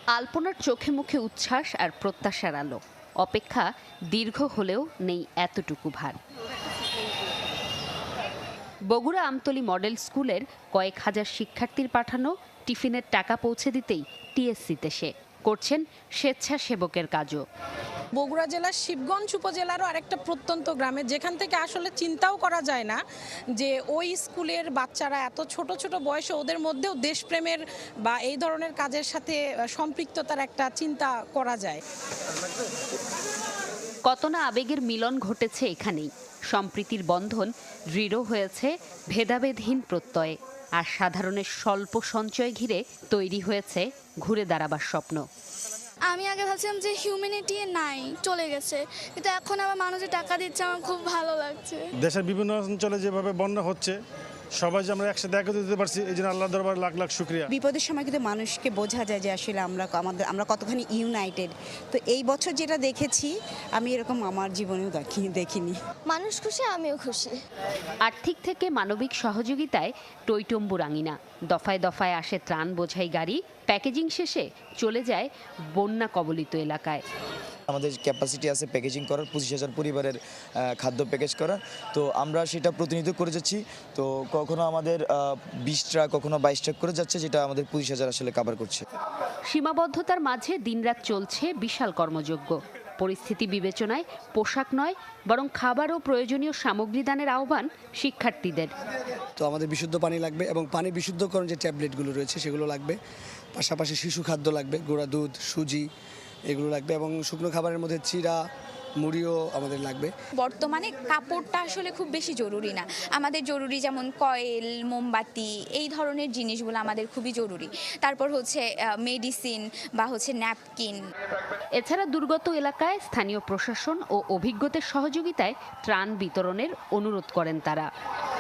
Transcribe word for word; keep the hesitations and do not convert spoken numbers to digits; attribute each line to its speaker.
Speaker 1: আলপনার চোখে মুখে উচ্ছ্বাস আর প্রত্যাশার আলো। অপেক্ষা দীর্ঘ হলেও নেই এতটুকু ভার। বগুড়া আমতলী মডেল স্কুলের কয়েক হাজার শিক্ষার্থীর পাঠানো টিফিনের টাকা পৌঁছে দিতেই টিএসসিতে সে করছেন স্বেচ্ছাসেবকের কাজও।
Speaker 2: বগুড়া জেলার শিবগঞ্জ উপজেলারও আরেকটা প্রত্যন্ত গ্রামে, যেখান থেকে আসলে চিন্তাও করা যায় না যে ওই স্কুলের বাচ্চারা এত ছোট ছোট বয়সে ওদের মধ্যেও দেশপ্রেমের বা এই ধরনের কাজের সাথে সম্পৃক্ততার একটা চিন্তা করা যায়।
Speaker 1: কত না আবেগের মিলন ঘটেছে এখানেই। সম্প্রীতির বন্ধন দৃঢ় হয়েছে ভেদাভেদহীন প্রত্যয়ে, আর সাধারণের স্বল্প সঞ্চয় ঘিরে তৈরি হয়েছে ঘুরে দাঁড়াবার স্বপ্ন।
Speaker 3: আমি আগে ভাবছিলাম যে হিউম্যানিটি নাই, চলে গেছে, কিন্তু এখন আবার মানুষের টাকা দিচ্ছে, আমার খুব ভালো লাগছে।
Speaker 4: দেশের বিভিন্ন অঞ্চলে যেভাবে বন্যা হচ্ছে, সবাই যে আমরা একসাথে একত্রিত দিতে পারছি, এই জন্য আল্লাহ দরবার লাখ লাখ শুকরিয়া।
Speaker 5: বিপদের সময় কিন্তু মানুষকে বোঝা যায় যে আসলে আমরা আমাদের আমরা কতখানি ইউনাইটেড। তো এই বছর যেটা দেখেছি আমি এরকম আমার জীবনেও দেখি দেখিনি।
Speaker 3: মানুষ খুশি, আমিও খুশি।
Speaker 1: আর্থিক থেকে মানবিক সহযোগিতায় টইটম্বুর আঙিনা। দফায় দফায় আসে ত্রাণ বোঝাই গাড়ি, প্যাকেজিং শেষে চলে যায় বন্যা কবলিত এলাকায়।
Speaker 6: আমাদের ক্যাপাসিটি আছে প্যাকেজিং করার, পঁচিশ হাজার পরিবারের খাদ্য প্যাকেজ করার। তো আমরা সেটা প্রতিনিধিত্ব করে যাচ্ছি। তো কখনো আমাদের বিশ ট্রাক, কখনো বাইশ ট্রাক করে যাচ্ছে, যেটা আমাদের পঁচিশ হাজার আসলে কাভার করছে।
Speaker 1: সীমাবদ্ধতার মাঝে দিনরাত চলছে বিশাল কর্মযজ্ঞ। পরিস্থিতি বিবেচনায় পোশাক নয়, বরং খাবার ও প্রয়োজনীয় সামগ্রী দানের আহ্বান শিক্ষার্থীদের।
Speaker 7: তো আমাদের বিশুদ্ধ পানি লাগবে এবং পানি বিশুদ্ধকরণ যে ট্যাবলেটগুলো রয়েছে সেগুলো লাগবে, পাশাপাশি শিশু খাদ্য লাগবে, গুঁড়া দুধ, সুজি এগুলো লাগবে, এবং শুকনো খাবারের মধ্যে চিড়া, মুড়িও আমাদের লাগবে।
Speaker 8: বর্তমানে কাপড়টা আসলে খুব বেশি জরুরি না, আমাদের জরুরি যেমন কয়েল, মোমবাতি, এই ধরনের জিনিসগুলো আমাদের খুবই জরুরি। তারপর হচ্ছে মেডিসিন বা হচ্ছে ন্যাপকিন।
Speaker 1: এছাড়া দুর্গত এলাকায় স্থানীয় প্রশাসন ও অভিজ্ঞদের সহযোগিতায় ত্রাণ বিতরণের অনুরোধ করেন তারা।